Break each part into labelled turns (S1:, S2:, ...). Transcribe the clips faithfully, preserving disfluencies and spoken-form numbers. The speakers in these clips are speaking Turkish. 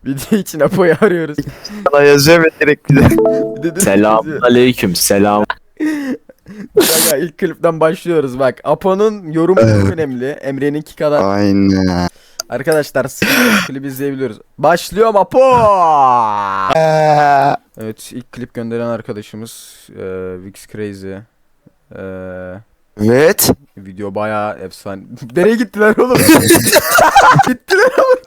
S1: Video için Apo'yu arıyoruz.
S2: Sana yazıyor ve direkt bir de.
S1: Bir de-
S3: Selam aleyküm selam.
S1: Kanka ilk klipten başlıyoruz bak. Apo'nun yorumu çok önemli. Emre'ninki kadar.
S2: Aynen.
S1: Arkadaşlar klibi izleyebiliyoruz. Başlıyorum Apo.
S2: Eee,
S1: Evet ilk klip gönderen arkadaşımız e, Vix Crazy. E,
S2: Evet.
S1: video bayağı efsane. Nereye gittiler oğlum? Gittiler oğlum.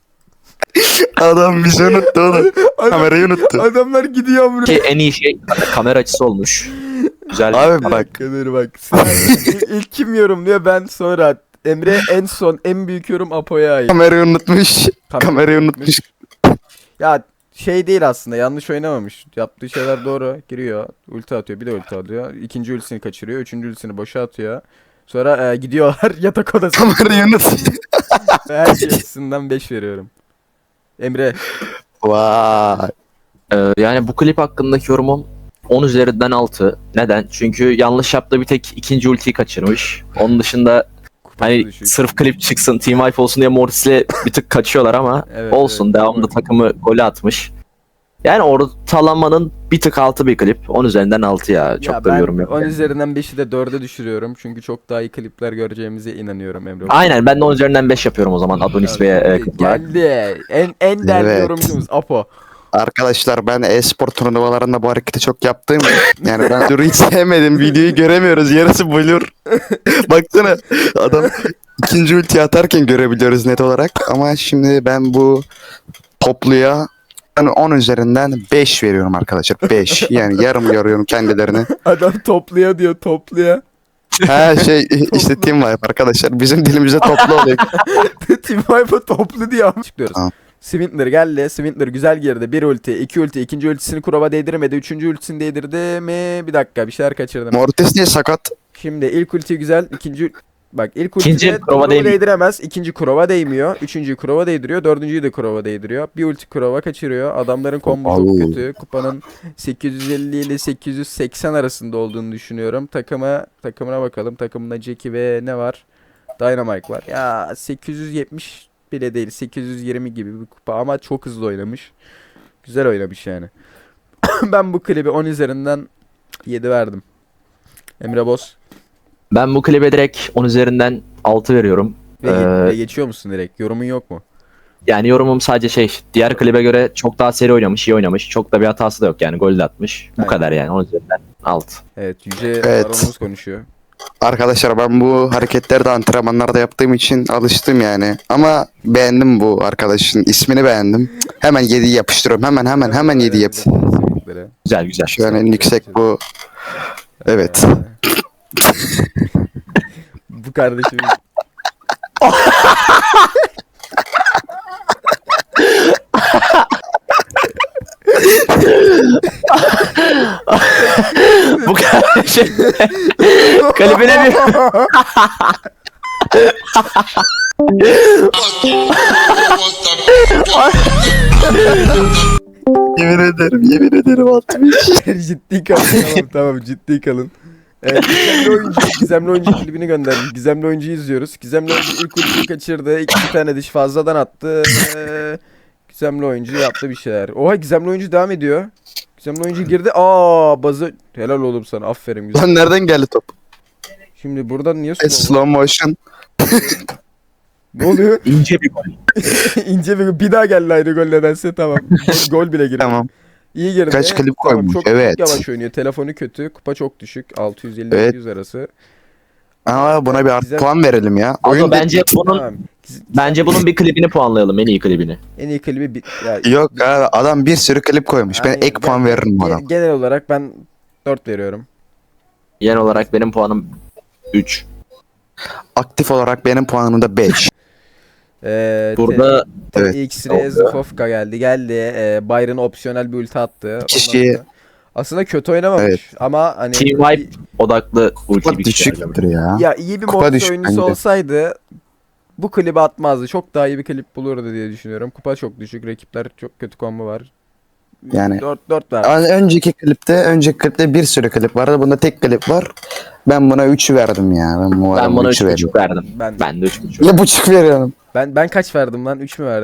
S2: Adam bizi unuttu oğlum.
S1: Adam-
S2: Kamerayı unuttu.
S1: Adamlar gidiyor amına.
S3: Ki en iyi şey kamera açısı olmuş. Güzel.
S2: Abi bak.
S1: Kadir bak. Sen, ilk kim yorumluyor ben sonra. Emre en son en büyük yorum Apo'ya ait.
S2: Kamerayı unutmuş.
S1: Tabii.
S2: Kamerayı unutmuş.
S1: Ya şey değil aslında yanlış oynamamış. Yaptığı şeyler doğru. Giriyor. Ulti atıyor. Bir de ulti atıyor. İkinci ultisini kaçırıyor. Üçüncü ultisini boşa atıyor. Sonra e, gidiyorlar yatak odasına.
S2: Kamerayı unutmuş.
S1: Her şey açısından beş veriyorum. Emre.
S2: Vay.
S3: Ee, yani bu klip hakkındaki yorumum on üzerinden altı. Neden? Çünkü yanlış yaptığı bir tek ikinci ultiyi kaçırmış. Onun dışında hani
S1: düşük.
S3: sırf klip çıksın, team wipe olsun diye Mortis'le bir tık kaçıyorlar ama
S1: Evet,
S3: olsun.
S1: evet,
S3: Devamında
S1: doğru.
S3: takımı golü atmış. Yani ortalamanın bir tık altı bir klip. on üzerinden altı ya. Çok
S1: Ya
S3: da bir
S1: ben
S3: yorum yok.
S1: on
S3: yani.
S1: üzerinden beşi de dörde düşürüyorum. Çünkü çok daha iyi klipler göreceğimize inanıyorum Emre.
S3: Aynen ben de on üzerinden beş yapıyorum o zaman Adonis Bey'e e, klip olarak.
S1: Geldi. En, en değerli
S2: Evet.
S1: yorumcumuz Apo.
S2: Arkadaşlar ben e-spor turnuvalarında bu hareketi çok yaptım. Yani ben Duru hiç sevmedim. Videoyu göremiyoruz. Yarısı blur. Baksana adam ikinci ulti atarken görebiliyoruz net olarak. Ama şimdi ben bu topluya ben on üzerinden beş veriyorum arkadaşlar. beş. Yani yarım görüyorum kendilerini.
S1: Adam topluya diyor topluya.
S2: Ha şey işte team wipe arkadaşlar. Bizim dilimizde toplu oluyor.
S1: Team Wipe'a toplu diyor. Çıkıyoruz.
S2: Tamam.
S1: Swindler geldi. Swindler güzel girdi. Bir ulti, iki ulti, ikinci ultisini Kurova değdirmedi. Üçüncü ultisini değdirdi mi? Bir dakika bir şeyler kaçırdım.
S2: Mortis niye sakat?
S1: Şimdi ilk ulti güzel. ikinci bak ilk
S3: İkinci
S1: ultide
S3: Kurova
S1: Kurova
S3: değmiyor.
S1: değdiremez. İkinci Kurova değmiyor. Üçüncüyü Kurova değdiriyor. Dördüncüyü de Kurova değdiriyor. Bir ulti Kurova kaçırıyor. Adamların kombo çok
S2: Au.
S1: kötü. Kupanın sekiz yüz elli ile sekiz yüz seksen arasında olduğunu düşünüyorum. Takıma takımına bakalım. Takımında Jackie ve ne var? Dynamite var. Ya sekiz yüz yetmiş bile değil. sekiz yüz yirmi gibi bir kupa ama çok hızlı oynamış. Güzel oynamış yani. Ben bu klibi on üzerinden yedi verdim. Emre Boz.
S3: Ben bu klibe direkt on üzerinden altı veriyorum.
S1: Ve,
S3: Ee,
S1: ve geçiyor musun direkt? Yorumun yok mu?
S3: Yani yorumum sadece şey, diğer klibe göre çok daha seri oynamış, iyi oynamış. Çok da bir hatası da yok yani, gol de atmış. Bu
S1: Aynen.
S3: kadar yani, on üzerinden altı.
S1: Evet Yüce
S2: Evet.
S1: Baronumuz konuşuyor.
S2: Arkadaşlar ben bu hareketleri de antrenmanlarda yaptığım için alıştım yani. Ama beğendim bu arkadaşın ismini beğendim. Hemen yedi yapıştırıyorum. Hemen hemen hemen yedi yap.
S1: Kesinlikle.
S3: Güzel güzel.
S2: Şu an en yüksek bu. Evet.
S1: Ee, bu kardeşimiz.
S3: Bu kadar şey. Klibine bir...
S2: Yemin ederim yemin ederim altmış.
S1: Ciddi kalın. Tamam tamam ciddi kalın. Evet, Gizemli oyuncu, Gizemli oyuncu klibini gönderdik. Gizemli oyuncuyu izliyoruz. Gizemli oyuncu ilk ultiyi kaçırdı. İki tane diş fazladan attı. Ee, Gizemli oyuncu yaptı bir şeyler. Oha Gizemli oyuncu devam ediyor. Gizemli oyuncu girdi. Aa bazı helal oğlum sana. Aferin güzel.
S2: Lan nereden geldi top?
S1: Şimdi buradan niye
S2: E,
S1: slow?
S2: slow motion.
S1: Ne oluyor?
S3: ince bir gol.
S1: İnce bir bir daha geldi aynı gol nedense tamam. Gol, gol bile girdi.
S2: Tamam.
S1: İyi girdi.
S2: Kaç klip
S1: Tamam,
S2: koymuş,
S1: çok,
S2: evet.
S1: çok yavaş oynuyor. Telefonu kötü. Kupa çok düşük. altı yüz elli
S2: Evet.
S1: yüz arası.
S2: Ama buna bir
S1: Güzel.
S2: artı puan verelim ya.
S3: Ama
S2: Oyun
S3: bence bunun
S1: Tamam. Giz-
S3: bence bunun bir klibini puanlayalım, en iyi klibini.
S1: En iyi klibi bir, ya,
S2: yok abi adam bir sürü klip koymuş. Ben
S1: Aynen.
S2: ek puan
S1: Gen-
S2: veririm bu
S1: gen-
S2: adam.
S1: Genel olarak ben dört veriyorum.
S3: Genel olarak benim puanım üç.
S2: Aktif olarak benim puanım da beş.
S1: Ee,
S3: Burada
S1: te-
S2: evet.
S1: X-Ray Zufovka geldi. Geldi. Ee, Byron opsiyonel bir ulti attı. Ondan
S2: Kişi-
S1: sonra- Aslında kötü oynamamış
S2: Evet.
S1: ama hani
S3: Team Wipe odaklı ulti
S2: Kupa
S3: bir kişi.
S2: düşüktür ya.
S1: ya iyi bir
S2: Kupa
S1: Mortis
S2: düşük
S1: oyuncusu
S2: bence.
S1: olsaydı bu klibi atmazdı. Çok daha iyi bir klip bulurdu diye düşünüyorum. Kupa çok düşük. Rakipler çok kötü combo var.
S2: Yani-
S1: dört dört ver.
S2: Ama önceki klipte, önceki klipte bir sürü klip vardı. Bunda tek klip var. Ben buna üç verdim ya. Ben, bu
S3: Ben
S2: adama
S3: buna
S2: üç
S3: üç buçuk verdim.
S1: Ben
S3: Ben de üç buçuk.
S2: Ne buçuk veriyorum.
S1: ben ben kaç verdim lan? üç mü verdim?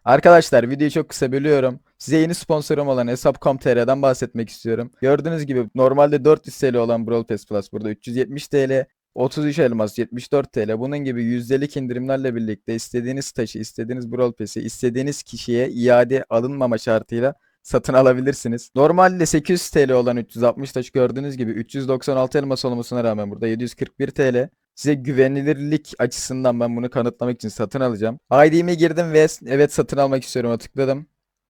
S1: Arkadaşlar videoyu çok kısa bölüyorum. Size yeni sponsorum olan hesap nokta com nokta tr'den bahsetmek istiyorum. Gördüğünüz gibi normalde dört yüz T L olan Brawl Pass Plus burada üç yüz yetmiş T L, otuz üç elmas yetmiş dört T L. Bunun gibi yüzdelik indirimlerle birlikte istediğiniz taşı, istediğiniz Brawl Pass'i istediğiniz kişiye iade alınmama şartıyla satın alabilirsiniz. Normalde sekiz yüz T L olan üç yüz altmış taş gördüğünüz gibi üç yüz doksan altı elmas olmasına rağmen burada yedi yüz kırk bir T L. Size güvenilirlik açısından ben bunu kanıtlamak için satın alacağım. I D'me girdim ve evet satın almak istiyorum tıkladım.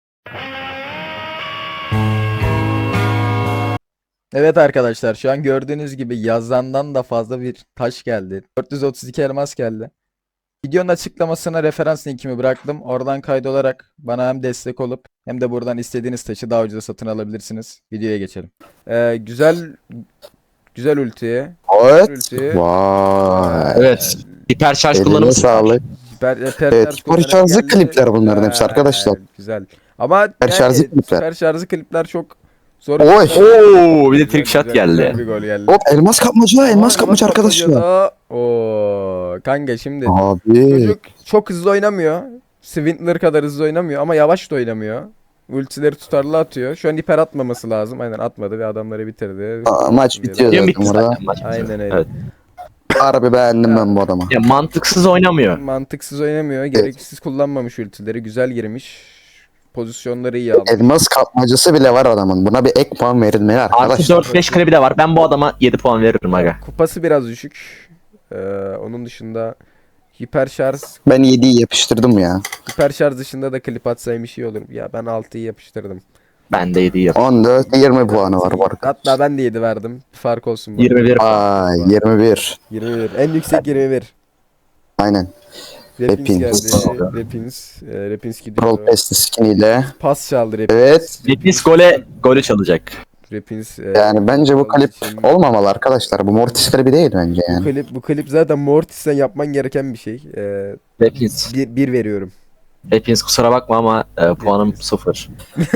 S1: Evet arkadaşlar şu an gördüğünüz gibi yazandan da fazla bir taş geldi. dört yüz otuz iki elmas geldi. Videonun açıklamasına referans linkimi bıraktım. Oradan kaydolarak bana hem destek olup hem de buradan istediğiniz taşı daha ucuza satın alabilirsiniz. Videoya geçelim. Ee, güzel güzel ulti.
S2: Evet.
S1: Ulti.
S2: Vay.
S3: Evet. Hiper şarj
S2: Eline
S3: kullanımı
S2: sağlık.
S1: Süper, süper
S2: Evet,
S1: şarj
S2: süper
S1: kullanarak
S2: şarjlı
S1: geldi.
S2: klipler bunların hepsi arkadaşlar.
S1: Güzel, Güzel. Ama
S2: Süper
S1: yani
S2: şarjlı klipler.
S1: süper şarjlı klipler çok zor.
S2: Oy.
S3: Oo, bir de
S1: Güzel,
S3: trick shot
S1: güzel,
S3: geldi.
S1: güzel bir gol geldi.
S2: Hop elmas kapmaca,
S1: Aa,
S2: elmas kapmaca arkadaşlar.
S1: kapmacada. Oo, kanka şimdi
S2: Abi.
S1: çocuk çok hızlı oynamıyor. Swindler kadar hızlı oynamıyor ama yavaş da oynamıyor. Ultileri tutarlı atıyor. Şu an hiper atmaması lazım. Aynen atmadı ve adamları bitirdi.
S2: Aa, maç bitiyor
S3: Game
S2: zaten
S3: bitti
S2: burada.
S3: zaten maç bitiyor.
S1: Aynen öyle.
S3: Evet.
S2: Harbi beğendim ben bu adamı.
S3: Ya, mantıksız oynamıyor.
S1: Mantıksız oynamıyor. Gereksiz kullanmamış ultileri. Güzel girmiş. Pozisyonları iyi aldı.
S2: Elmas kapmacası bile var adamın. Buna bir ek puan verilmeli
S3: Artı
S2: arkadaşlar.
S3: dört beş klibi de var. Ben bu adama yedi puan veririm aga.
S1: Kupası biraz düşük. Ee, onun dışında hiper şarj
S2: Ben yediyi yapıştırdım ya.
S1: hiper şarj dışında da klip atsaymış iyi olur. Ya ben altıyı yapıştırdım.
S3: Ben de yedi yap.
S2: on dört yirmi puanı var bu arada.
S1: Hatta ben de yedi verdim. Fark olsun. bana.
S3: yirmi bir.
S2: Ay yirmi bir.
S1: yirmi bir. En yüksek yirmi bir.
S2: Aynen.
S1: Repins
S2: Repins.
S1: geldi. Repins. E, Repins gidiyor.
S2: Brawl Pass skiniyle.
S1: Pas çaldı Repins.
S2: Evet.
S3: Repins gole golü çalacak.
S1: Repins. e,
S2: Yani bence bu klip
S1: için-
S2: olmamalı arkadaşlar. Bu Mortis klibi değil bence
S1: Bu
S2: yani.
S1: klip, bu klip zaten Mortis'ten yapman gereken bir şey. E,
S3: Repins.
S1: bir, bir veriyorum.
S3: Repins kusura bakma ama e, puanım sıfır.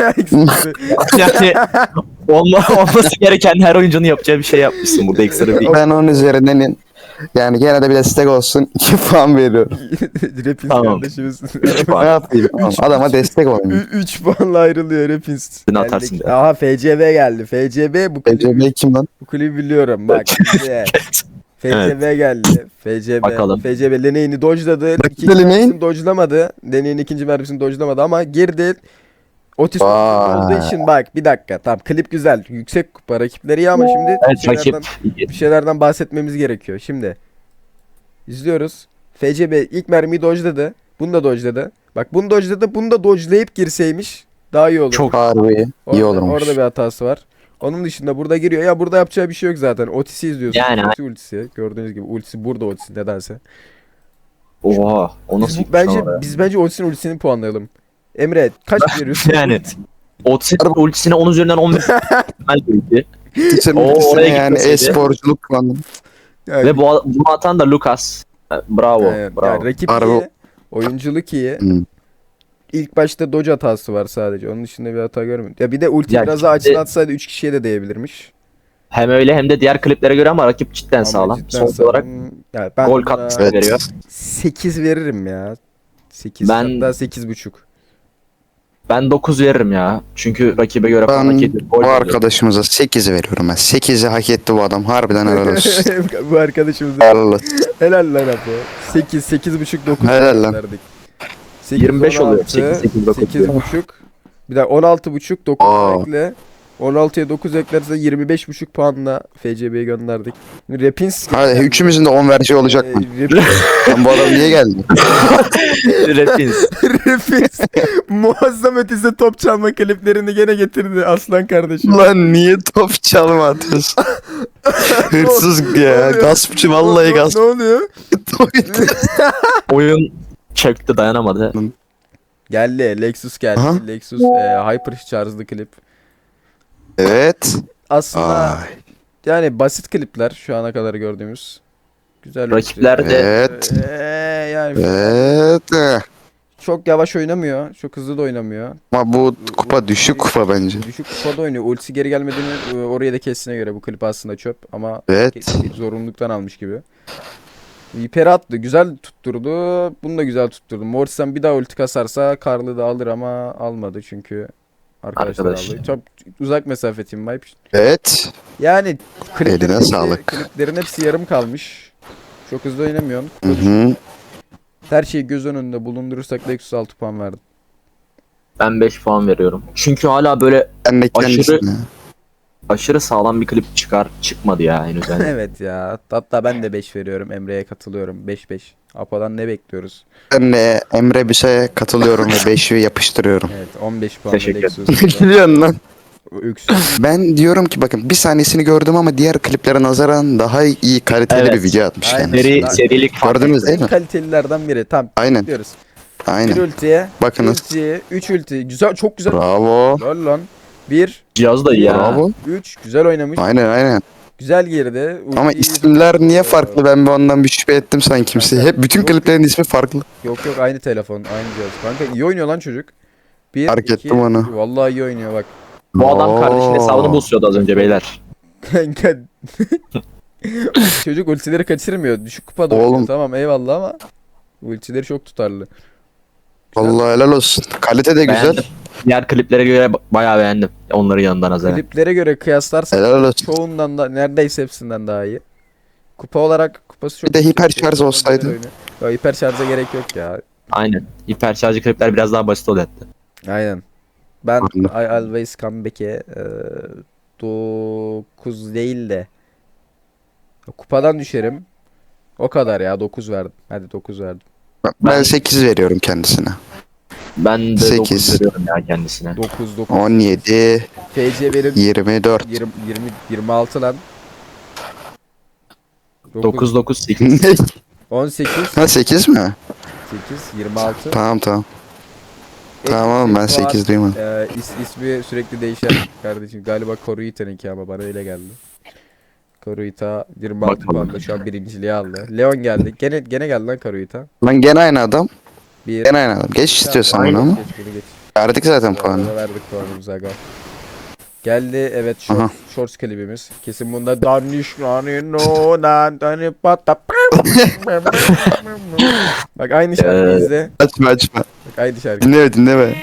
S3: Yani olma, olması gereken her oyuncunun yapacağı bir şey yapmışsın burada ekstra bir.
S2: Ben onun üzerinden yani gene de bir destek olsun iki puan veriyorum.
S1: Repins
S3: Tamam.
S1: kardeşimiz.
S3: üç
S2: Ne
S3: puan.
S2: yapayım? Tamam, adama destek olayım.
S1: üç puanla ayrılıyor Repins.
S3: Sen atarsın
S1: Geldik.
S3: de.
S1: Aha F C B geldi. F C B bu klibi,
S2: B C B kim lan?
S1: bu klibi biliyorum. Bak şimdi. F C B geldi. F C B.
S3: Bakalım.
S1: F C B Lene'ini dodge'ladı. İkinci
S2: Lene'in?
S1: mermisini dodge'lamadı. Lene'nin ikinci mermisini dodge'lamadı ama girdi. Otis
S2: Vay.
S1: olduğu için bak bir dakika. Tamam klip güzel. Yüksek kupa rakipleri iyi ama şimdi bir
S3: Evet rakip.
S1: şeylerden, bir şeylerden bahsetmemiz gerekiyor. Şimdi izliyoruz. F C B ilk mermiyi dodge'ladı. Bunu da dodge'ladı. Bak bunu dodge'ladı. Bunu da dodge'layıp girseymiş daha iyi olur.
S3: Çok
S2: Harbi iyi
S1: Orada,
S2: olurmuş.
S1: orada bir hatası var. Onun dışında burada giriyor. Ya burada yapacağı bir şey yok zaten. Otis'i izliyorsun.
S3: Yani-
S1: Ulti ultisi. Gördüğünüz gibi ultisi burada Otis'in nedense.
S3: Oha. O
S1: Biz,
S3: nasıl
S1: bu-
S3: bir
S1: bence
S3: şey var ya?
S1: biz bence Otis'in ultisini puanlayalım. Emre kaç veriyorsun?
S3: Yani. Otis'in ultisine on üzerinden on beş verdi.
S2: Geçen
S3: Oo,
S2: ultisine
S3: oraya
S2: yani
S3: gitmeseydi.
S2: e-sporculuk kullandım.
S1: Yani,
S3: Ve bu, bunu atan da Lucas. Bravo.
S1: yani,
S3: bravo.
S1: yani rakip
S2: Harbi.
S1: iyi. Oyunculuk iyi.
S2: Hmm.
S1: İlk başta dodge hatası var sadece. Onun dışında bir hata görmedim. Ya bir de ulti
S3: Ya
S1: biraz daha
S3: şimdi-
S1: açılı atsaydı üç kişiye de değebilirmiş.
S3: Hem öyle hem de diğer kliplere göre ama rakip cidden
S1: Ama
S3: sağlam.
S1: cidden
S3: Son
S1: sağlam.
S3: olarak
S1: Yani ben
S3: gol
S1: buna
S3: katkısı
S2: Evet.
S3: veriyor.
S1: sekiz veririm ya. sekiz
S3: Ben-
S1: hatta sekiz buçuk.
S3: Ben dokuz veririm ya. Çünkü rakibe göre falan
S2: Ben
S3: hak ediyor. Gol
S2: bu
S3: veriyor.
S2: arkadaşımıza sekiz veriyorum ben. sekizi hak etti bu adam. Harbiden helal olsun.
S1: Bu arkadaşımız
S2: Helal olsun.
S1: helal lan Apo. sekiz, sekiz buçuk, dokuz
S2: Helal lan.
S1: verdik.
S3: yirmi beş oluyor. sekiz, sekiz, dokuz
S1: sekiz
S3: diyor.
S1: buçuk. Bir daha on altı buçuk, dokuz
S2: Aa.
S1: ekle. on altıya dokuz eklerse yirmi beş buçuk puanla F C B'ye gönderdik. Repins
S2: Hadi üçümüzün de on vereceği olacak mı?
S1: Ee, Repins,
S2: Lan bu adam niye geldi?
S3: Repins.
S1: Repins muazzam ötesi top çalma kliplerini gene getirdi aslan kardeşim.
S2: Lan niye top çalma atıyorsun? Hırsız ya.
S1: oluyor?
S2: Gaspçı
S1: Ne-
S2: vallahi
S1: ne-
S2: gasp.
S1: Ne oluyor?
S3: Oyun çöktü dayanamadı.
S1: Geldi. Lexus geldi.
S2: Aha.
S1: Lexus e, Hyper charge'lı klip.
S2: Evet.
S1: Aslında
S2: Ay.
S1: yani basit klipler şu ana kadar gördüğümüz. Güzel.
S3: Rakipler de
S2: Evet.
S1: Ee, yani
S2: Evet.
S1: çok yavaş oynamıyor. Çok hızlı da oynamıyor.
S2: Ama bu kupa düşük kupa bence.
S1: Düşük kupada oynuyor. Ultisi geri gelmediğini e, oraya da kestiğine göre bu klip aslında çöp ama
S2: Evet.
S1: ke- zorunluluktan almış gibi. Viper'i attı. Güzel tutturdu. Bunu da güzel tutturdu. Morrison bir daha ulti kasarsa Karl'ı da alır ama almadı çünkü arkadaşlar
S3: Arkadaş.
S1: aldı. Çok uzak mesafe team wipe.
S2: Evet.
S1: Yani kliplerin
S2: Eline
S1: hepsi,
S2: sağlık.
S1: kliplerin hepsi yarım kalmış. Çok hızlı oynamıyorsun.
S2: Hı hı.
S1: Her şeyi göz önünde bulundurursak Lexus altı puan verdim.
S3: Ben beş puan veriyorum. Çünkü hala böyle
S2: Ben de
S3: Aşırı-
S2: kendisine.
S3: aşırı sağlam bir klip çıkar çıkmadı ya henüz. Yani.
S1: Evet ya. Hatta ben de beş veriyorum. Emre'ye katılıyorum. beş beş. Apo'dan ne bekliyoruz?
S2: Ben de Emre bir şeye katılıyorum ve beşi yapıştırıyorum.
S1: Evet on beş puan
S3: Teşekkür
S1: Lexus.
S2: Ne gülüyorsun lan?
S1: Öksüz.
S2: Ben diyorum ki bakın bir sahnesini gördüm ama diğer kliplere nazaran daha iyi kaliteli
S3: Evet.
S2: bir video atmış
S1: Aynen.
S2: kendisi.
S3: Seri, serilik fark
S2: Gördünüz
S3: etti.
S2: değil
S1: En
S2: mi?
S1: kalitelilerden biri. Tamam.
S2: Aynen.
S1: Diyoruz. Bir
S2: Aynen.
S1: ultiye.
S2: Bakınız.
S1: Ulti. Üç ulti. Güzel. Çok güzel.
S2: Bravo.
S1: Lol lan. Bir.
S3: Cihaz da iyi ya.
S2: Bravo.
S1: Üç. Güzel oynamış.
S2: Aynen aynen.
S1: Güzel girdi.
S2: Ama
S1: Ultiyi-
S2: isimler niye farklı? Ben bir ondan bir şüphe ettim sanki kimse. Hep bütün kliplerin ismi farklı.
S1: Yok yok aynı telefon. Aynı cihaz. Kanka iyi oynuyor lan çocuk. Bir,
S2: Fark
S1: iki,
S2: ettim onu.
S1: Vallahi iyi oynuyor bak.
S3: Bu adam kardeşin
S2: Oo.
S3: hesabını bozuyordu az önce beyler.
S1: Kanka. Çocuk ultileri kaçırmıyor. Düşük kupada
S2: Oğlum.
S1: oynuyor. Tamam eyvallah ama ultileri çok tutarlı.
S2: Vallahi helal olsun. Kalite de güzel.
S3: Beğendim. Diğer kliplere göre ba- bayağı beğendim. Onların yanından nazaran.
S1: Kliplere göre kıyaslarsak
S2: Helal olsun.
S1: çoğundan da neredeyse hepsinden daha iyi. Kupa olarak kupası çok
S2: Bir de
S1: yüksek.
S2: hiper şarj
S1: Güzel
S2: olsaydı.
S1: oynuyor. Ya hiper şarja gerek yok ya.
S3: Aynen. Hiperşarjı klipler biraz daha basit oluyor hatta.
S1: Aynen. Ben
S2: Anladım.
S1: I always come back'e dokuz değil de kupadan düşerim. O kadar ya dokuz verdim. Hadi dokuz verdim.
S2: Ben
S3: Ben-
S2: sekiz veriyorum kendisine.
S3: Ben de
S2: Sekiz.
S3: dokuz veriyorum ya kendisine.
S1: dokuz dokuz.
S2: on yedi,
S1: F C benim
S2: yirmi dört.
S1: yirmi, yirmi, yirmi altı lan.
S3: dokuz dokuz sekiz.
S2: Ne?
S1: on sekiz
S2: Ha sekiz mi?
S1: sekiz yirmi altı.
S2: Tamam tamam. Tamam ben sekiz duymadım.
S1: Ee, is, ismi sürekli değişen kardeşim. Galiba Koruita'nınki ama bana öyle geldi. Koruita yirmi altı
S3: Bakalım.
S1: puanla şu an birinciliği aldı. Leon geldi. Gene gene geldi lan Koruita.
S2: Lan gene aynı adam.
S1: Bir.
S2: Gene aynı adam. Geç istiyorsan
S1: Tamam,
S2: bunu ama.
S1: geç, bunu geç.
S2: Verdik zaten
S1: Bu
S2: puanı.
S1: arada verdik puanımızı aga. Geldi evet
S2: Aha.
S1: short, shorts klibimiz. Kesin bunda Danişlani no nan tani pata. Bak aynı şarkıyı
S3: Ee,
S1: izle.
S2: Açma açma.
S1: Bak aynı şarkı.
S2: Dinleme dinleme.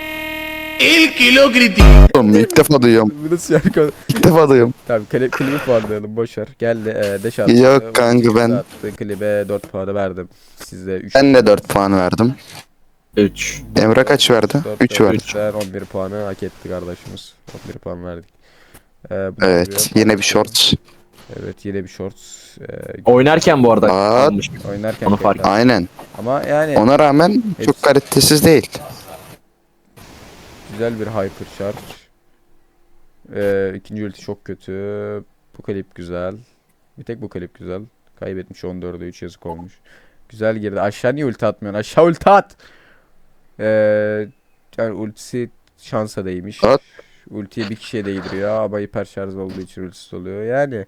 S2: Oğlum ilk defa duyuyorum.
S1: Bu nasıl şarkı?
S2: İlk defa duyuyorum.
S1: Tamam kli, klibi puanlayalım boşver. Geldi e, deş attı.
S2: Yok kanka, ben-
S1: Attı, klibe dört puanı verdim. Size üç.
S2: Ben de dört puan verdim.
S3: üç.
S2: Emre kaç verdi? üç verdi.
S1: üçten on bir puanı hak etti kardeşimiz. on bir puan verdik. Ee, bu
S2: Evet
S1: duruyor.
S2: yine bir shorts.
S1: Evet yine bir shorts. Ee,
S3: Oynarken bu arada
S2: Aa.
S3: kalmış.
S1: oynarken
S3: Onu fark
S1: tekrar.
S2: Aynen.
S1: Ama yani
S2: Ona rağmen
S1: Hepsi-
S2: çok kalitesiz değil.
S1: güzel bir hypercharge. Ee, ikinci ulti çok kötü. Bu klip güzel. Bir tek bu klip güzel. Kaybetmiş on dörde üç yazık olmuş. Güzel girdi. Aşağı niye ulti atmıyorsun? Aşağı ulti at. Ee, yani ultisi şansa değmiş.
S2: At.
S1: Ultiye bir kişiye değdiriyor ama hiper şarj olduğu için ultisiz oluyor. Yani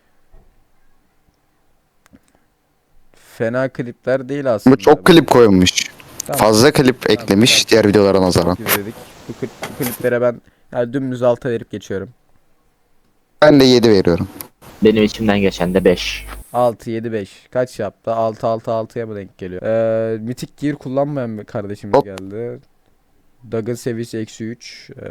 S1: fena klipler değil aslında.
S2: Bu çok klip koymuş.
S1: Tamam.
S2: Fazla klip eklemiş diğer videolara nazaran.
S1: Çok izledik. Bu, klip, bu kliplere ben yani dümdüz alta verip geçiyorum.
S2: Ben de yedi veriyorum.
S3: Benim içimden geçen de beş.
S1: altı yedi beş. Kaç yaptı? altı altı altıya mı denk geliyor? Ee, Mythic Gear kullanmayan bir kardeşimiz
S2: Hop.
S1: geldi. Dag'ın seviyesi eksi üç. Ee,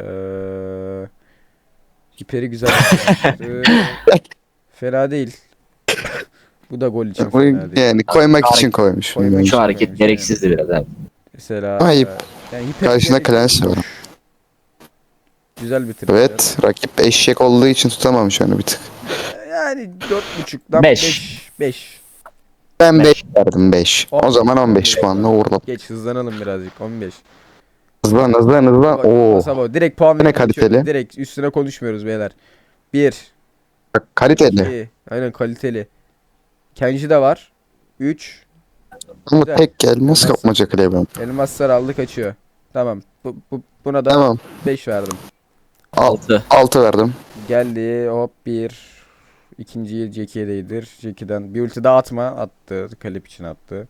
S1: hiperi güzel. Ee, fena değil. Bu da gol için
S2: Bu
S1: fena değil.
S2: yani koymak için koymuş.
S1: Koymak
S2: bunu.
S1: için.
S3: Şu hareket gereksizdi biraz abi.
S1: Mesela
S2: Ayıp.
S1: e, yani hiper
S2: Karşında
S1: gerek-
S2: Clans var.
S1: Güzel bitirdi.
S2: Evet rakip eşek olduğu için tutamamış onu bir tık.
S1: Yani dört buçuktan
S3: Beş.
S1: beş. beş.
S2: Ben
S3: Beş.
S2: beş verdim beş. O zaman on beş
S1: on beş.
S2: puanla uğurladım.
S1: Geç hızlanalım birazcık. on beş.
S2: Hızlan hızlan hızlan.
S1: Bak,
S2: Oo.
S1: Sabah direkt puan
S2: Ne
S1: verip
S2: kaliteli?
S1: geçiyoruz. Direkt üstüne konuşmuyoruz beyler. bir.
S2: Bak, kaliteli.
S1: iki. Aynen kaliteli. Kenji de var. üç.
S2: Ama
S1: Güzel.
S2: tek gelmez kapmaca klebim.
S1: Elmaslar aldı kaçıyor. Tamam. Bu, bu, buna da
S2: Tamam.
S1: beş verdim.
S3: altı.
S2: altı verdim.
S1: Geldi hop bir. İkinciyi Jackie'ye değdir. Jackie'den bir ulti daha atma. Attı. Kalip için attı.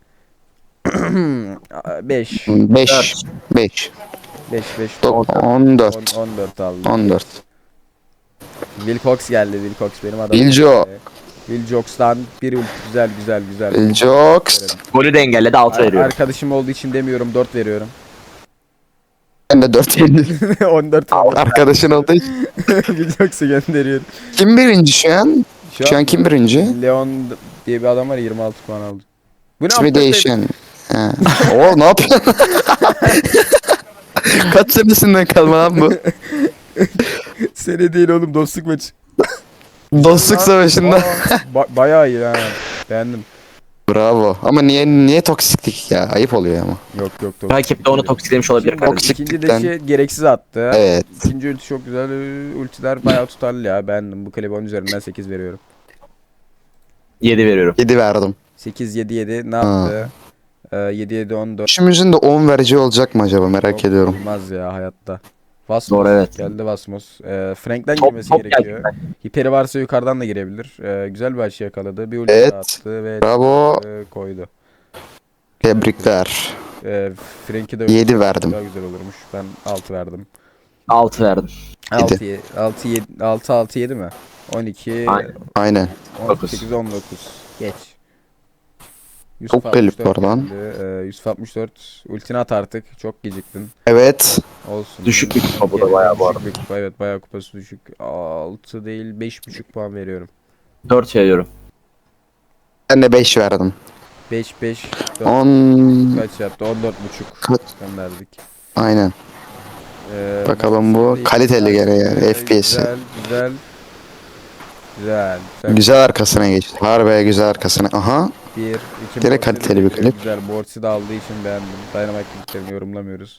S1: beş.
S2: beş. beş.
S1: beş beş.
S2: on dört.
S1: on dört aldı.
S2: on dört.
S1: Wilcox geldi. Wilcox benim adamım.
S2: Bilco.
S1: Will Joks'tan bir ulti güzel güzel güzel.
S2: Will Joks.
S3: Golü de engelledi altı
S1: Ar-
S3: veriyorum.
S1: Arkadaşım olduğu için demiyorum, dört veriyorum.
S2: Ben de dört veriyorum.
S1: on dört veriyorum.
S2: Arkadaşın olduğu için.
S1: Will Joks'u gönderiyorum.
S2: Kim birinci şu an? Şu an kim birinci?
S1: Leon diye bir adam var, yirmi altı puan aldı. Bu ne
S2: İsmi
S1: yaptı?
S2: değişen. Ha. Oo ne yapıyorsun? Kaç senesinden kalma lan bu?
S1: Sene değil oğlum, dostluk maçı.
S2: Dostluk savaşında.
S1: Aa, ba- bayağı iyi ha. Beğendim.
S2: Bravo. Ama niye niye toksiklik ya? Ayıp oluyor ama.
S1: Yok yok yok.
S3: Rakip de onu toksiklemiş olabilir
S1: İkinci,
S3: kardeşim.
S1: ikinci
S2: Toksiklikten.
S1: deşi gereksiz attı.
S2: Evet.
S1: İkinci ulti çok güzel. Ee, Ultiler bayağı tutarlı ya. Beğendim. Bu klibi on üzerinden sekiz veriyorum.
S3: yedi veriyorum.
S2: yedi verdim.
S1: sekiz yedi yedi ne
S2: Ha.
S1: yaptı? Ee, yedi yedi on dört.
S2: Üçümüzün de on verici olacak mı acaba merak
S1: Yok,
S2: ediyorum.
S1: Olmaz ya hayatta. Vasmos
S3: Doğru, evet.
S1: geldi Vasmos. Ee, Frank'ten
S3: Top,
S1: girmesi
S3: top
S1: gerekiyor.
S3: geldi.
S1: Hiperi varsa yukarıdan da girebilir. Ee, güzel bir açı yakaladı. Bir ulti
S2: Evet.
S1: daha attı ve
S2: Bravo.
S1: e, koydu.
S2: Tebrikler.
S1: Ee, Frank'i de
S2: yedi verdim.
S1: daha güzel olurmuş. Ben altı verdim.
S3: altı verdim.
S1: altı altı yedi altı altı yedi mi? on iki
S3: Aynen.
S2: Aynen.
S1: on sekiz on dokuz. Geç.
S2: Çok klip var lan.
S1: geldi. Ee, Yusuf altmış dört ultini at artık. Çok geciktin.
S2: Evet.
S1: Olsun.
S3: Düşük bir kupa bu da
S1: Gene
S3: bayağı bu
S1: düşük
S3: arada.
S1: bir kupa, evet bayağı kupası düşük. altı değil beş buçuk puan veriyorum.
S3: dört veriyorum.
S2: Ben de beş verdim.
S1: beş beş dört
S2: on.
S1: kaç yaptı? on dört buçuk
S2: Kaç?
S1: gönderdik.
S2: Aynen.
S1: Ee,
S2: Bakalım bu
S1: şimdi
S2: kaliteli gene yani,
S1: güzel,
S2: F P S'i.
S1: Güzel güzel. Güzel. Güzel.
S2: Güzel arkasına geçti. Harbiye güzel arkasına. Aha.
S1: Bir, iki
S2: Gene
S1: Mortis'i
S2: kaliteli
S1: de
S2: bir klip.
S1: Güzel. Mortis'i de aldığı için beğendim. Dynamite kliplerini yorumlamıyoruz.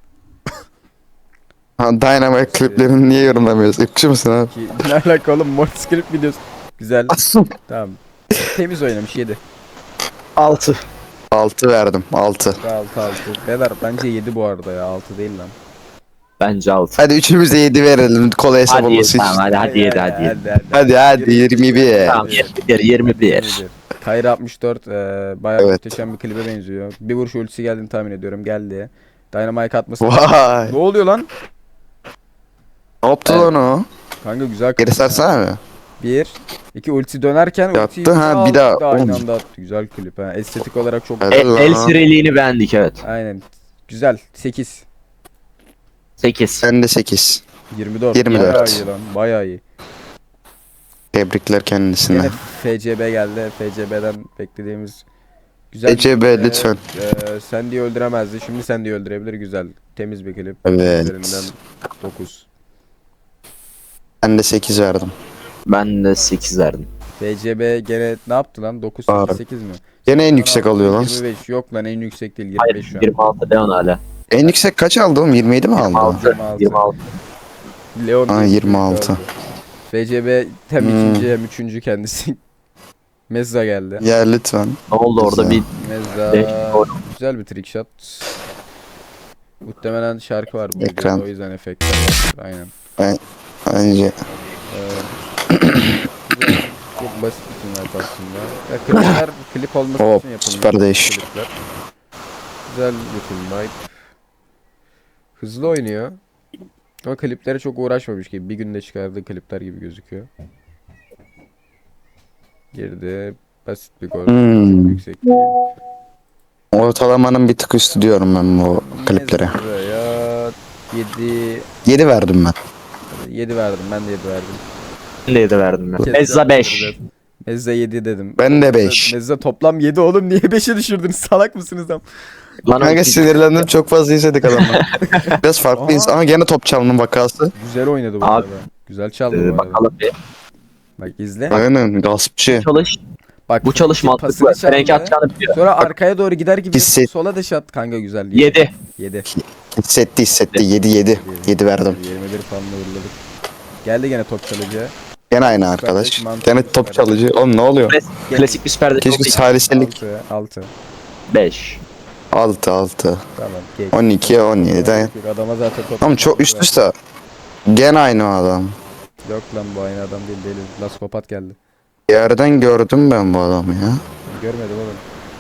S2: Ha, Dynamite kliplerini niye yorumlamıyoruz? Ipçı mısın abi?
S1: Ki ne alaka oğlum, Mortis klip videosu. Güzel. Tamam. Temiz oynamış, yedi.
S3: altı.
S2: altı verdim. altı.
S1: altı altı. Beyler bence yedi bu arada ya. altı değil lan.
S3: Bence altı.
S2: Hadi üçümüz de yedi verelim. Kolay hesap
S3: Hadi yedi
S2: olması
S3: tamam
S2: için.
S3: hadi hadi yedi hadi yedi.
S1: Hadi
S2: Hadi hadi yirmi bir.
S3: Tamam yirmi bir yirmi bir.
S1: Kayra altmış dört e, bayağı
S2: Evet.
S1: muhteşem bir klibe benziyor. Bir vuruş ultisi geldiğini tahmin ediyorum. Geldi. Dynamite atması.
S2: Vay.
S1: Ne oluyor lan?
S2: Ne yaptı lan o?
S1: Kanka güzel
S2: Geri
S1: klip.
S2: sarsana mı?
S1: Bir. iki ulti dönerken
S2: Yaptı,
S1: ultiyi
S2: ha,
S1: aldı,
S2: bir daha.
S1: aynı
S2: Oğlum.
S1: anda attı. Güzel klip ha. Estetik olarak çok
S2: Evet.
S1: güzel.
S3: El, el sireliğini beğendik evet.
S1: Aynen. Güzel. sekiz.
S3: sekiz.
S2: Ben de sekiz.
S1: yirmi dört.
S2: yirmi dört.
S1: Bayağı iyi lan. Bayağı iyi.
S2: Tebrikler kendisine.
S1: Yine F C B geldi. F C B'den beklediğimiz güzel.
S2: F C B
S1: Ee,
S2: lütfen.
S1: E, Sandy'yi öldüremezdi. Şimdi Sandy'yi öldürebilir. Güzel. Temiz bir klip.
S2: Evet.
S1: Üzerinden dokuz.
S2: Ben de sekiz verdim.
S3: Ben de sekiz verdim.
S1: F C B gene ne yaptı lan? dokuz
S2: Var.
S1: sekiz sekiz mi?
S2: Gene en yüksek alıyor lan.
S1: yirmi beş. Yok lan, en yüksek değil. yirmi
S3: Hayır
S1: beş şu an.
S3: yirmi altı Leon hala.
S2: En yüksek kaç aldı oğlum? yirmi yedi mi aldı?
S3: yirmi altı.
S1: yirmi altı.
S3: yirmi altı.
S1: Leon
S2: Ha,
S1: diye
S2: yirmi altı.
S1: bir oldu. F C B hem
S2: Hmm.
S1: ikinci hem üçüncü kendisi. Mezza geldi.
S2: Ya lütfen.
S3: Ne oldu orada bir
S1: Mezza
S3: Beş gol.
S1: güzel bir trick shot. Muhtemelen şarkı var bu
S2: Ekran.
S1: videoda, o yüzden efektler var. Aynen.
S2: Bence
S1: Ee, güzel, çok basit bir tünel aslında. Ya klipler klip olması
S2: Hop,
S1: için yapılmış
S2: süper değiş.
S1: klipler. Güzel bir film vibe. Hızlı oynuyor. Ama kliplere çok uğraşmamış gibi. Bir günde çıkardığı klipler gibi gözüküyor. Girdi. Basit bir gol.
S2: Hmm.
S1: Çok yüksek değil.
S2: ortalamanın bir tık üstü diyorum ben bu kliplere.
S1: Ya yedi
S2: yedi verdim ben.
S1: yedi verdim. Ben de yedi verdim.
S3: ben de yedi verdim ben. Mezza beş.
S1: Mezza yedi dedim.
S2: Ben de beş.
S1: Mezza toplam yedi oğlum. Niye beşe düşürdünüz? Salak mısınız lan?
S3: Lan
S2: Kanka
S3: o-
S2: sinirlendim, çok fazla izledik adamı. Biraz farklıyız
S1: Aa.
S2: ama gene top çalının vakası.
S1: Güzel oynadı bu
S3: Abi.
S1: arada. Güzel çaldı
S3: Ee,
S1: bu arada.
S3: bakalım bir.
S1: Bak izle.
S2: Aynen gaspçı.
S3: Çalış.
S1: Bak
S3: Bu çalış
S1: pasını
S3: mantıklı.
S1: çaldı.
S3: Frenk atacağını biliyor.
S1: Sonra arkaya doğru gider gibi
S2: Hisset-
S1: sola da şat kanka güzel.
S3: yedi.
S1: yedi.
S2: Hissetti hissetti. yedi yedi. yedi verdim.
S1: yirmi bir falan uğurladık. Geldi gene top çalıcı.
S2: Gene aynı arkadaş. Gene top çalıcı. Oğlum ne oluyor?
S3: Klasik bir süper
S2: Keşke saliselik.
S1: altı. altı.
S3: beş.
S2: altı altı.
S1: Tamam. Geç.
S2: on iki on yedi.
S1: Adama zaten top.
S2: Oğlum çok üst üste. Gene aynı o adam.
S1: Yok lan, bu aynı adam değil değil. Laskopat geldi.
S2: Bir yerden gördüm ben bu adamı ya.
S1: Görmedim oğlum.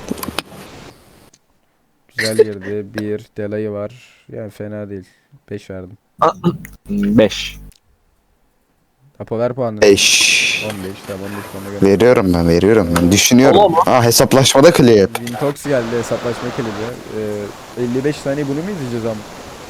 S1: Güzel girdi. Bir delayı var. Yani fena değil. beş verdim.
S3: beş.
S1: Apo ver puanını.
S2: beş.
S1: on beş tamam on beş puanla gel.
S2: Veriyorum ben veriyorum ben düşünüyorum.
S3: Oğlum.
S2: Aa hesaplaşmada klip.
S1: Wintox geldi hesaplaşma kilidi. Ee, elli beş saniye bunu mu izleyeceğiz ama?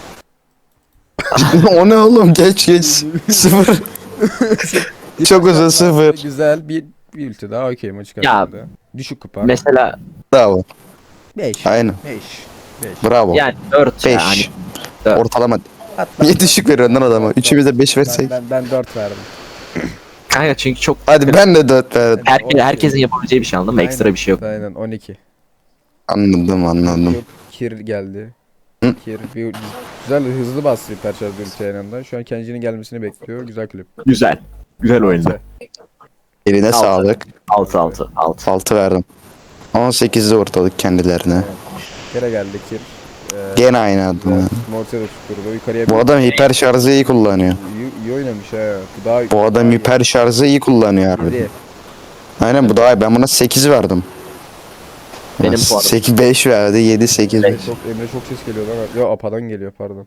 S2: O ne oğlum geç geç. Sıfır. Çok uzun sıfır.
S1: Güzel bir bir ulti daha okey maçı
S3: Ya,
S1: kazandı. Düşük kupa.
S3: Mesela
S2: Bravo.
S1: beş.
S2: Aynen.
S1: beş. beş.
S2: Bravo.
S3: yani dört
S2: beş.
S3: yani. dört.
S2: Ortalama.
S1: Hatta
S2: Niye düşük veriyorsun lan adama? Üçümüz de beş
S1: ben,
S2: versek.
S1: ben, ben dört verdim.
S3: Kanka çünkü çok
S2: Hadi ben de dört verdim.
S3: herke, herkesin yapabileceği bir şey anladın mı? Ekstra
S1: Aynen,
S3: bir şey yok.
S1: Aynen on iki.
S2: Anladım anladım.
S1: Yok Kir geldi.
S2: Hı?
S1: Kir bir, güzel hızlı bastı hiper şarj ulti yanında. Şu an Kenji'nin gelmesini bekliyor. Güzel klip.
S3: Güzel. Güzel oyundu.
S2: Eline
S3: Altı.
S2: sağlık.
S3: altı altı altı.
S2: altı verdim. on sekizde ortalık kendilerine.
S1: Kere geldi Kir. Ee,
S2: Gene aynı adım.
S1: güzel.
S2: ya.
S1: Mortis'e de tutturdu. Yukarıya
S2: Bu
S1: bir-
S2: adam hiper şarjı iyi kullanıyor.
S1: iyi, iyi oynamış ha. Bu daha
S2: Bu adam hiper şarjı iyi kullanıyor harbi.
S1: Yedi.
S2: Aynen bu daha iyi. Ben buna sekiz verdim.
S3: Benim puanım.
S2: sekiz beş verdi. yedi sekiz beş.
S1: Çok, Emre çok ses geliyor lan. Ya Apa'dan geliyor pardon.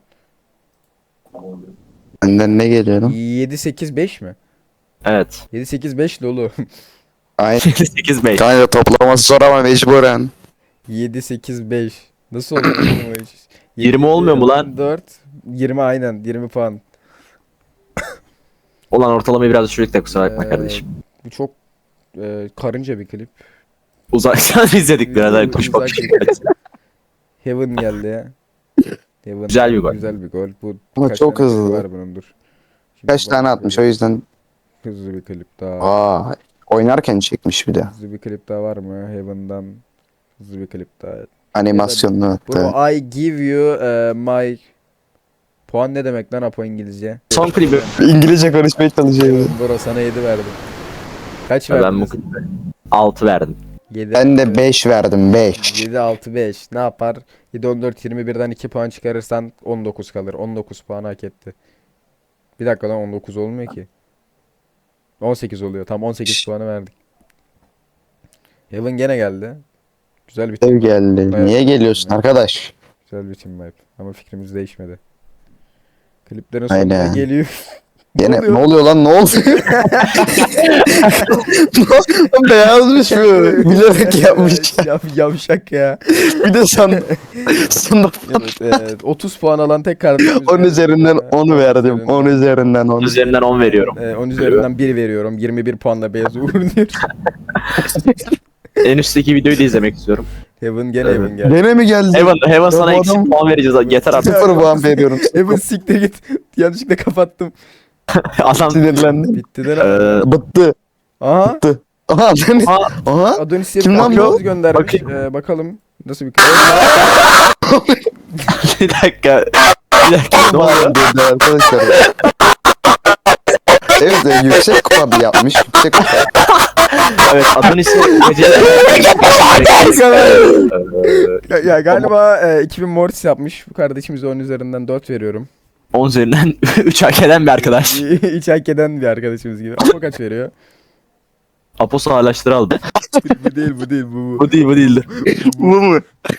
S2: Benden ne geliyor lan?
S1: yedi sekiz beş mi?
S3: Evet.
S1: yedi sekiz beş Lolo.
S2: Aynen.
S3: sekiz beş.
S2: Kanka toplaması zor ama mecburen.
S1: yedi sekiz beş. Nasıl oldu oğlum o iş?
S3: yirmi olmuyor mu lan?
S1: dört. yirmi aynen. yirmi puan.
S3: Olan ortalamayı biraz düşürdük de kusura bakma
S1: Ee,
S3: kardeşim.
S1: Bu çok e, karınca bir klip.
S3: Uzaktan izledik biraz daha kuş
S1: Uzak
S3: bakışı.
S1: bir- Heaven geldi ya. Heaven
S3: Güzel bir gol.
S1: Güzel bir gol. Bu
S2: Ama
S1: kaç
S2: çok
S1: tane
S2: hızlı.
S1: klibi var bunun dur. Şimdi
S2: Kaç tane
S1: bak-
S2: atmış o yüzden.
S1: Hızlı bir klip daha.
S2: Aa, oynarken çekmiş bir de.
S1: Hızlı bir klip daha var mı? Heaven'dan hızlı bir klip daha.
S2: Animasyonlu hatta.
S1: Bro I give you uh, my puan ne demek lan Apo İngilizce?
S3: Son klibi.
S2: İngilizce konuşmaya çalışıyor.
S1: Bro sana yedi verdim. Kaç
S3: Ben
S1: verdin?
S3: bu klibi altı verdim.
S1: yedi,
S2: Ben de beş verdim beş.
S1: yedi altı beş. Ne yapar? yedi on dört yirmi birden iki puan çıkarırsan on dokuz kalır. on dokuz puan hak etti. Bir dakika lan on dokuz olmuyor ki. on sekiz oluyor. Tam on sekiz puanı verdik. Heaven gene geldi. Güzel bir
S2: Ev
S1: team.
S2: geldi. Niye geliyorsun arkadaş?
S1: Güzel bir team vibe. Ama fikrimiz değişmedi. Kliplerin sonuna
S2: Aynen.
S1: geliyor.
S2: Gene
S1: oluyor?
S2: ne oluyor lan ne oluyor? Beyazmış bu. Bilerek yapmış.
S1: Yav, yavşak ya.
S2: Bir de san sana
S1: Evet, evet. otuz puan alan tek kardeşimiz.
S2: on üzerinden
S1: Ee,
S2: on verdim. on üzerinden on.
S3: Üzerinden on veriyorum.
S1: Ee, on üzerinden bir veriyorum. yirmi bir puanla beyaz uğurluyor.
S3: En üstteki videoyu da izlemek istiyorum.
S1: Heaven gene
S3: Evet.
S1: Heaven geldi.
S2: Gene mi geldi?
S3: Heaven, Heaven sana
S2: bu
S3: eksik
S2: adam-
S3: puan vereceğiz. Yeter artık.
S2: Sıfır puan veriyorum.
S1: Heaven siktir git. Yanlışlıkla kapattım.
S3: Adam
S2: Sinirlendim.
S1: Bitti de lan.
S3: Eee,
S2: Bıttı.
S1: Aha.
S2: Bıttı. Aha Adonis.
S3: Aa,
S2: Aha.
S1: Adonis
S2: Kim lan bu?
S1: göndermiş.
S3: Bakayım.
S1: Ee, bakalım nasıl bir
S3: bir dakika. Bir dakika. Ne oluyor?
S2: Dedi arkadaşlar. Evet e, yüksek kupa bir yapmış. Yüksek kupa.
S3: Evet Adonis'in geceleri.
S1: ya, ya galiba e, iki bin Mortis yapmış. Bu kardeşimize on üzerinden dört veriyorum.
S3: on üzerinden üç hak eden bir arkadaş.
S1: Hiç hak eden bir arkadaşımız gibi. Apo kaç veriyor?
S3: Aposto ağlaştırı aldı.
S1: bu değil bu değil bu bu.
S3: Bu değil bu değildi.
S2: Bu mu?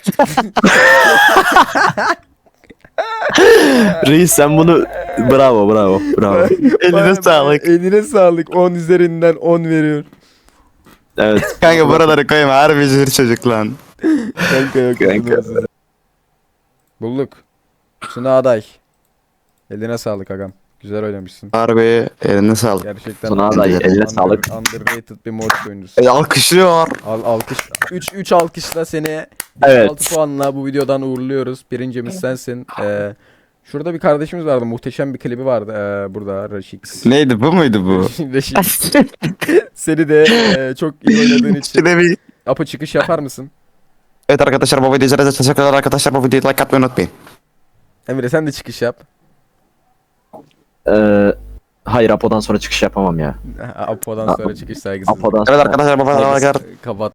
S3: Reis sen bunu bravo bravo bravo.
S2: Eline sağlık.
S1: Eline sağlık. on üzerinden on veriyor.
S3: Evet.
S2: Kanka buraları koyma. Harbi zır çocuk lan.
S1: Kanka yok.
S3: Kanka.
S1: Bulduk. Suna aday. Eline sağlık agam. Güzel oynamışsın.
S2: Harbi eline sağlık.
S1: Gerçekten
S3: Suna aday,
S1: under-
S3: eline sağlık.
S1: Underrated bir Mortis oyuncusu.
S2: E, alkışlıyor.
S1: Al, alkış. üç üç alkışla seni
S3: Evet.
S1: altı puanla bu videodan uğurluyoruz. Birincimiz sensin. Ee, şurada bir kardeşimiz vardı. Muhteşem bir klibi vardı ee, burada Raşix.
S2: Neydi bu muydu bu?
S1: Raşix. Seni de ee, çok iyi oynadığın için.
S2: Şöyle bir...
S1: Apo çıkış yapar mısın?
S2: Evet arkadaşlar bu videoyu izlediğiniz için teşekkürler arkadaşlar. Bu videoyu like atmayı unutmayın.
S1: Emre sen de çıkış yap.
S3: Ee, hayır Apo'dan sonra çıkış yapamam ya.
S1: Apo'dan sonra çıkış saygısızlık.
S3: Apo'dan
S2: Evet
S3: sonra.
S2: arkadaşlar bu videoyu like
S1: Kapat.